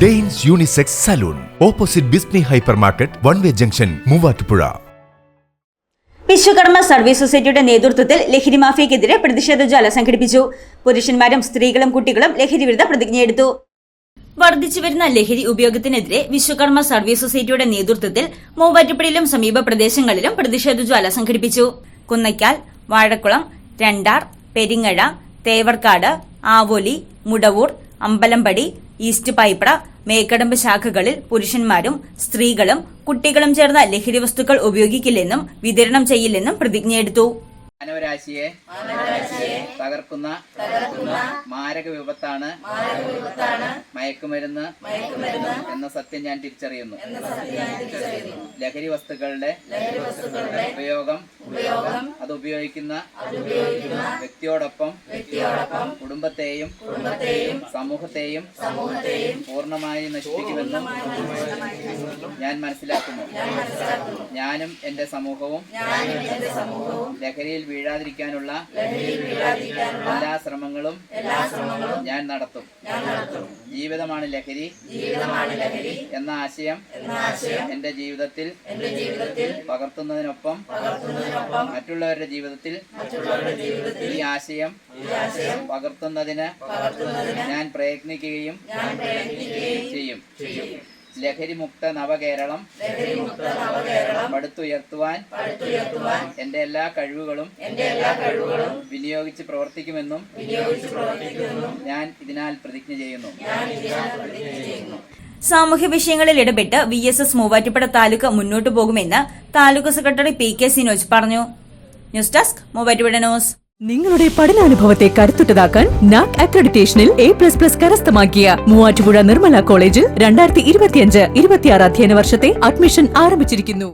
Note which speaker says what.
Speaker 1: Danes unisex salon opposite ബിസ്നി hypermarket one way junction Muvattupuzha.
Speaker 2: Vishwakarma service സൊസൈറ്റിയുടെ നേതൃത്വത്തിൽ ലഹരി മാഫിയക്കെതിരെ പ്രതിഷേധ ജ്വാല സംഘടിപ്പിച്ചു. പുരുഷന്മാരും സ്ത്രീകളും കുട്ടികളും ലഹരി വിരുദ്ധ പ്രതിജ്ഞയെടുത്തു. വർദ്ധിച്ചുവരുന്ന ലഹരി ഉപയോഗത്തിനെതിരെ വിശ്വകർമ്മ സർവീസ് സൊസൈറ്റിയുടെ നേതൃത്വത്തിൽ മൂവാറ്റുപുഴയിലും സമീപ പ്രദേശങ്ങളിലും പ്രതിഷേധ ജ്വാല സംഘടിപ്പിച്ചു. കുന്നയ്ക്കാൽ, വാഴക്കുളം, രണ്ടാർ, പെരിങ്ങഴ, തേവർക്കാട്, ആവോലി, മുടവൂർ, അമ്പലമ്പടി, ഈസ്റ്റ് പൈപ്ര, മേക്കടമ്പ് ശാഖകളിൽ പുരുഷന്മാരും സ്ത്രീകളും കുട്ടികളും ചേർന്ന ലഹരി വസ്തുക്കൾ ഉപയോഗിക്കില്ലെന്നും വിതരണം ചെയ്യില്ലെന്നും പ്രതിജ്ഞയെടുത്തു.
Speaker 3: മാനവരാശിയെ തകർക്കുന്ന മാരക വിപത്താണ് മയക്കുമരുന്ന് എന്ന സത്യം ഞാൻ തിരിച്ചറിയുന്നു. ലഹരി വസ്തുക്കളുടെ ഉപയോഗം അത് ഉപയോഗിക്കുന്ന വ്യക്തിയോടൊപ്പം കുടുംബത്തെയും സമൂഹത്തെയും പൂർണ്ണമായി നശിപ്പിക്കുമെന്നും ഞാൻ മനസ്സിലാക്കുന്നു. ഞാനും എന്റെ സമൂഹവും ലഹരിയിൽ വീഴാതിരിക്കാനുള്ള എല്ലാ ശ്രമങ്ങളും ഞാൻ നടത്തും. ജീവിതമാണ് ലഹരി എന്ന ആശയം എന്റെ ജീവിതത്തിൽ പകർത്തുന്നതിനൊപ്പം മറ്റുള്ളവരുടെ ജീവിതത്തിൽ ഈ ആശയം പകർത്തുന്നതിന് ഞാൻ പ്രയത്നിക്കുകയും ചെയ്യും. ലഹരി മുക്ത നവകേരളം പടുത്തുയർത്തുവാൻ എന്റെ എല്ലാ കഴിവുകളും വിനിയോഗിച്ച് പ്രവർത്തിക്കുമെന്നും ഞാൻ ഇതിനാൽ പ്രതിജ്ഞ ചെയ്യുന്നു.
Speaker 2: സാമൂഹ്യ വിഷയങ്ങളിൽ ഇടപെട്ട് VSS മൂവാറ്റുപുഴ താലൂക്ക് മുന്നോട്ടു പോകുമെന്ന് താലൂക്ക് സെക്രട്ടറി PK സിനോജ് പറഞ്ഞു. News desk Muvattupuzha news.
Speaker 4: നിങ്ങളുടെ പഠനാനുഭവത്തെ കരുത്തുറ്റതാക്കാൻ NAC അക്രഡിറ്റേഷനിൽ A++ കരസ്ഥമാക്കിയ മൂവാറ്റുപുഴ നിർമ്മല കോളേജിൽ 2025-26 അധ്യയന വർഷത്തെ അഡ്മിഷൻ ആരംഭിച്ചിരിക്കുന്നു.